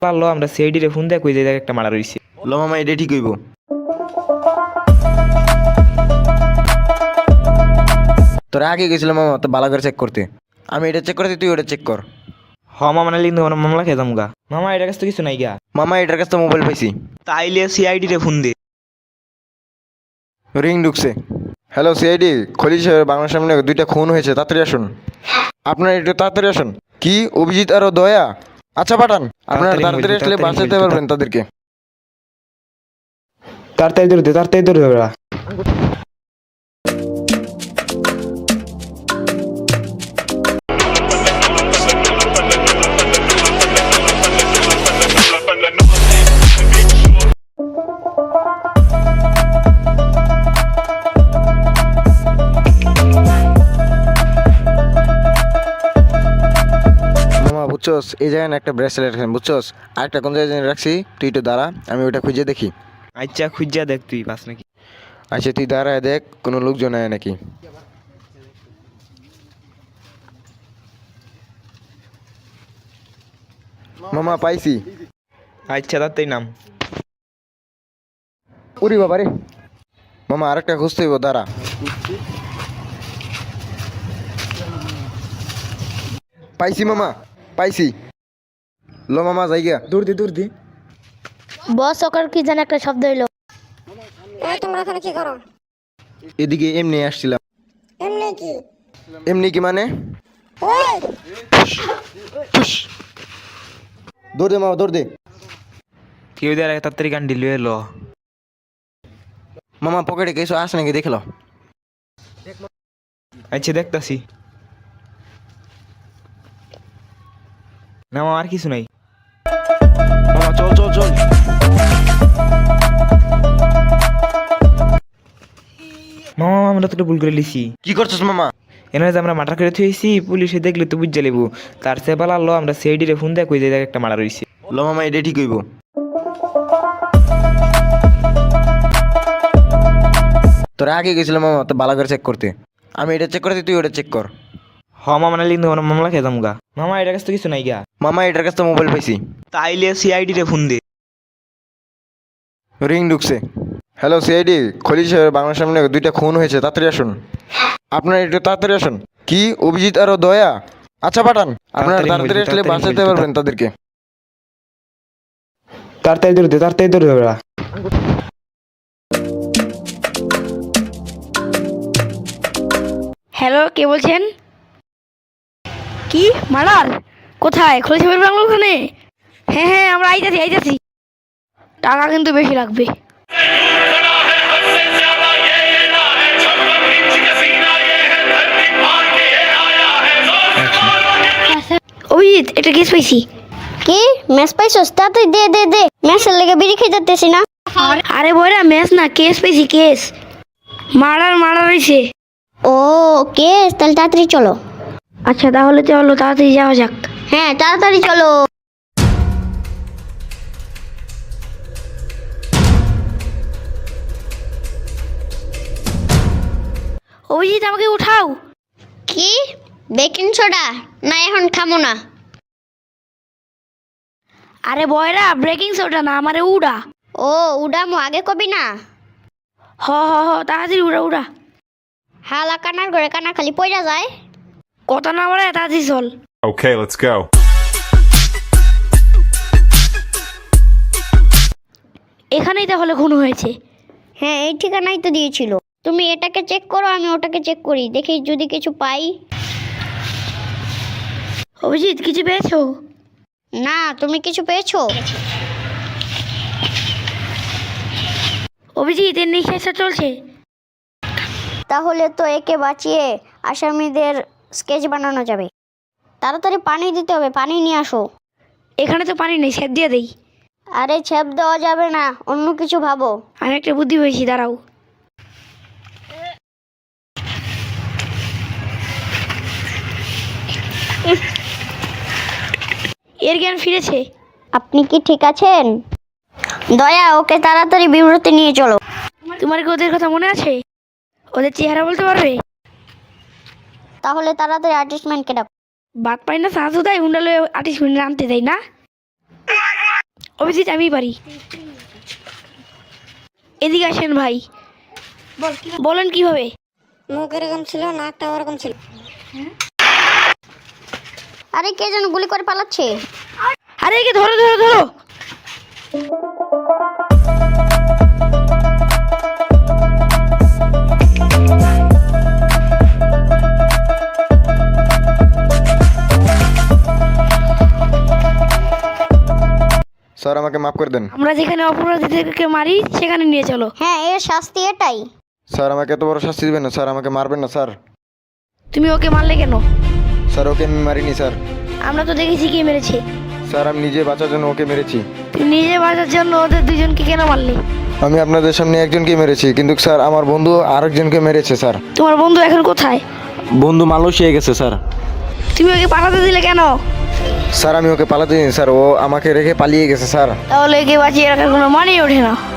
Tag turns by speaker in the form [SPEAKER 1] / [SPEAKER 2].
[SPEAKER 1] পারলো আমরা সিআইডি রে ফোন দেয় কই যে একটা মারা রইছে।
[SPEAKER 2] লো মামা এটা ঠিক হইব। তোরা আগে গেছিল মামা তো ভালো করে চেক করতে। আমি এটা চেক করতে, তুই ওটা চেক কর।
[SPEAKER 1] মামা মানে লিন্দু মামলা খেতাম গা। মামা এটার কাছে তো কিছু নাই গা।
[SPEAKER 2] মামা এটার কাছে মোবাইল পাইছি।
[SPEAKER 1] তাইলে সিআইডি রে ফোন দে।
[SPEAKER 2] রিং ঢুকছে। হ্যালো সিআইডি, খলিল সাহেব বাংলার সামনে 2টা খুন হয়েছে, তাড়াতাড়ি আসুন। আপনারা একটু তাড়াতাড়ি আসুন। কি অভিজিৎ আর দয়া? আচ্ছা পাঠান। আপনারা তাড়াতাড়ি আসলে বাঁচাতে পারবেন তাদেরকে।
[SPEAKER 1] তাড়াতাড়ি ধরে ওরা।
[SPEAKER 2] মামা বুঝছস, এই জায়গায় না একটা ব্রেসলেট রাখেন বুঝছস, আর একটা কোন জায়গায় রাখছি, তুই একটু দাঁড়া, আমি ওইটা খুঁজে দেখি।
[SPEAKER 1] আচ্ছা খুঁজা দেখ তুই পাস নাকি।
[SPEAKER 2] আচ্ছা তুই দাঁড়ায় দেখ কোনো লোকজন আয় নাকি। মামা পাইছি।
[SPEAKER 1] আচ্ছা তাড়াতাড়ি নাম।
[SPEAKER 2] উরি বাবা রে, মামা আরেকটা খুঁজতে হইব, দাঁড়া। পাইছি মামা, পাইছি। লো মামা জায়গা
[SPEAKER 1] দূর দি।
[SPEAKER 3] বস ওকার কি জানি একটা শব্দ হইলো।
[SPEAKER 4] তোমরা এখানে কি করো?
[SPEAKER 2] এদিকে এমনি আসছিলাম।
[SPEAKER 4] এমনি কি?
[SPEAKER 2] এমনি কি মানে?
[SPEAKER 4] ওই
[SPEAKER 2] ফুস। দৌড় দে মামা, দৌড় দে।
[SPEAKER 1] কেউ দেয় তাড়াতাড়ি গান ডিল এলো।
[SPEAKER 2] মামা পকেটে কিছু আসে নাকি দেখলো।
[SPEAKER 1] আচ্ছা দেখতাছি। না মামা আর কিছু নাই।
[SPEAKER 2] মামা চল চল চল।
[SPEAKER 1] মামা আমরা তো ভুল করে লিছি।
[SPEAKER 2] কি করছিস মামা?
[SPEAKER 1] এনে যে আমরা মার্ডার করে থুয়েছি, পুলিশে দেখলে তো বুঝে লেবু। তার সে পালালো আমরা সিআইডি রে ফোন দেয় কই যে একটা মারা রইছে।
[SPEAKER 2] লো মামা এটা ঠিক হইব। তোরা আগে গেছিল মামা তো ভালো করে চেক করতে। আমি এটা চেক করতে, তুই ওটা চেক কর।
[SPEAKER 1] মামা মানে লিন্দু মামলা খেতাম গা। মামা এটার কাছে তো কিছু নাই গা।
[SPEAKER 2] মামা এটার কাছে মোবাইল পাইছি।
[SPEAKER 1] তাইলে সিআইডি রে ফোন দে।
[SPEAKER 2] রিং ঢুকছে। হ্যালো সিআইডি, খলিল সাহেব বাংলার সামনে 2টা খুন হয়েছে, তাড়াতাড়ি আসুন। আপনারা একটু তাড়াতাড়ি আসুন। কি অভিজিৎ আর দয়া? আচ্ছা পাঠান। আপনারা তাড়াতাড়ি আসলে বাঁচাতে পারবেন তাদেরকে।
[SPEAKER 1] তাড়াতাড়ি ধরে ওরা।
[SPEAKER 3] হ্যালো, কে বলছেন? কি মারার? কোথায়? খুলেছে বাংলা ওখানে? হ্যাঁ আমরা আইতাছি। টাকা কিন্তু বেশি লাগবে। অভিজিৎ এটা কেস পাইছি।
[SPEAKER 4] কি ম্যাচ পাইছস? তাড়াতাড়ি দে ম্যাচের লেগে বিড়ি খেয়ে যাচ্তেছি না।
[SPEAKER 3] আরে বয়রা ম্যাচ না, কেস পাইছি, কেস মারা রয়েছে।
[SPEAKER 4] ও কেস, তাহলে তাড়াতাড়ি চলো।
[SPEAKER 3] আচ্ছা তাহলে চলো তাড়াতাড়ি যাওয়া যাক।
[SPEAKER 4] হ্যাঁ তাড়াতাড়ি চলো।
[SPEAKER 3] অভিজিৎ আমাকে উঠাও।
[SPEAKER 4] কি বেকিং সোডা? না এখন খামো না।
[SPEAKER 3] আরে বয়রা ব্রেকিং সোডা না, আমারে উড়া।
[SPEAKER 4] ও উডামো, আগে কবি না।
[SPEAKER 3] হ তাড়াতাড়ি উড়া।
[SPEAKER 4] হালা কানার ঘরে কানা খালি পয়রা যায়।
[SPEAKER 3] কথা না বলে তাড়াতাড়ি চল।
[SPEAKER 5] Okay, let's go.
[SPEAKER 3] এখানেই তাহলে খুন হয়েছে।
[SPEAKER 4] হ্যাঁ এই ঠিকানাই তো দিয়েছিল। তুমি এটাকে চেক করো, আমি ওটাকে চেক করি, দেখি যদি কিছু পাই।
[SPEAKER 3] অভিজিৎ কিছু পেয়েছো?
[SPEAKER 4] না, তুমি কিছু পেয়েছো?
[SPEAKER 3] অভিজিৎ এর নিঃশ্বাসটা চলছে।
[SPEAKER 4] তাহলে তো একে বাঁচিয়ে আসামিদের স্কেচ বানানো যাবে। তাড়াতাড়ি পানি দিতে হবে, পানি নিয়ে আসো।
[SPEAKER 3] এখানে তো পানি নেই, সেদ দিয়ে দেই।
[SPEAKER 4] আরে ছেপ দেওয়া যাবে না, অন্য কিছু ভাবো।
[SPEAKER 3] আমি একটা বুদ্ধি পেয়েছি, দাঁড়াও। এর জ্ঞান ফিরেছে।
[SPEAKER 4] আপনি কি ঠিক আছেন? দয়া, ওকে তাড়াতাড়ি বিব্রতে নিয়ে চলো।
[SPEAKER 3] তোমার কি ওদের কথা মনে আছে? ওদের চেহারা বলতে পারবে?
[SPEAKER 4] তাহলে তাড়াতাড়ি আর্টিস্টম্যানকে ডাকো।
[SPEAKER 3] বাদ পাই না সাহায্য দেয়, হুন্ডালে 28 মিনিট আনতে দেয় না। অভিজিৎ আমি পারি। এদিকে আসেন ভাই, বলেন কিভাবে?
[SPEAKER 4] মুখ এরকম ছিল, নাকটা ওরকম ছিল। আরে কে যেন গুলি করে পালাচ্ছে।
[SPEAKER 3] আরে একে ধরো ধরো ধরো।
[SPEAKER 2] স্যার আমাকে মাফ করে দেন।
[SPEAKER 3] আমরা যেখানে অপরাধীদেরকে মারি সেখানে নিয়ে চলো।
[SPEAKER 4] হ্যাঁ, এর শাস্তি এটাই।
[SPEAKER 2] স্যার আমাকে এত বড় শাস্তি দিবেন না স্যার, আমাকে মারবেন না স্যার।
[SPEAKER 3] তুমি ওকে মারলে কেন?
[SPEAKER 2] স্যার ওকে আমি মারিনি স্যার।
[SPEAKER 3] আমরা তো দেখেছি কে মেরেছে।
[SPEAKER 2] স্যার আমি নিজে বাঁচার জন্য ওকে মেরেছি।
[SPEAKER 3] তুমি নিজে বাঁচার জন্য ওদের দুজনকে কেন মারলে?
[SPEAKER 2] আমি আপনাদের সামনে একজনকে মেরেছি, কিন্তু স্যার আমার বন্ধু আরেকজনকে মেরেছে স্যার।
[SPEAKER 3] তোমার বন্ধু এখন কোথায়?
[SPEAKER 2] বন্ধু মালয়েশিয়া গেছে স্যার।
[SPEAKER 3] তুমি ওকে পাঠাতে দিলে কেন?
[SPEAKER 2] স্যার আমি ওকে পালাতে দিন স্যার, ও আমাকে রেখে পালিয়ে গেছে স্যার।
[SPEAKER 3] তাহলে একে বাঁচিয়ে রাখার কোনো মানেই ওঠে না।